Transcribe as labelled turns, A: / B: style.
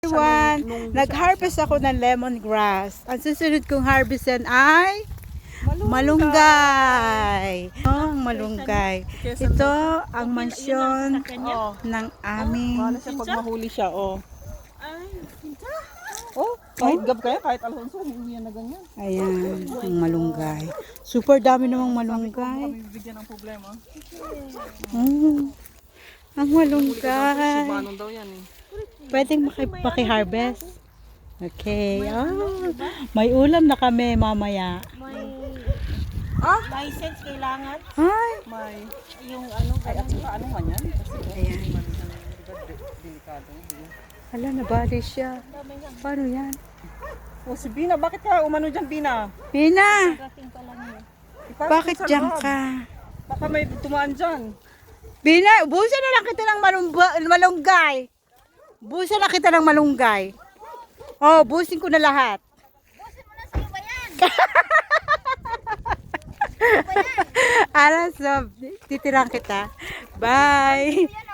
A: Everyone, nag-harvest ako ng lemongrass. Ang susunod kong harvestan ay malunggay. Oh, malunggay. Ito ang mansyon ng aming.
B: Paano siya pag mahuli siya, oh. Oh, kahit gab kaya, kahit Alfonso, hindi yan na ganyan.
A: Ayan, ang malunggay. Super dami namang malunggay.
B: Kami bibigyan ng problema.
A: Ang malunggay.
B: Subanon daw yan eh.
A: Pwedeng maki-harvest. Okay. Oh, may ulam na kami mamaya.
C: License kailangan.
A: Ay,
B: May,
C: Yung ano,
B: ay at saka ano man yan? Kasi
A: ayan.
B: delikado.
A: Hala, nabali siya. Paano yan?
B: Oh, si Bina, bakit ka umano dyan, Bina?
A: Pina,
C: dating pa lang yun.
B: Ipasok
A: bakit
B: sa
A: dyan
B: loob.
A: ka?
B: Baka may tumaan dyan.
A: Bina, ubusan na lang kita ng malunggay. Ubusan na kita ng malunggay. Oh, busin ko na lahat. Alas, titirang kita. Bye.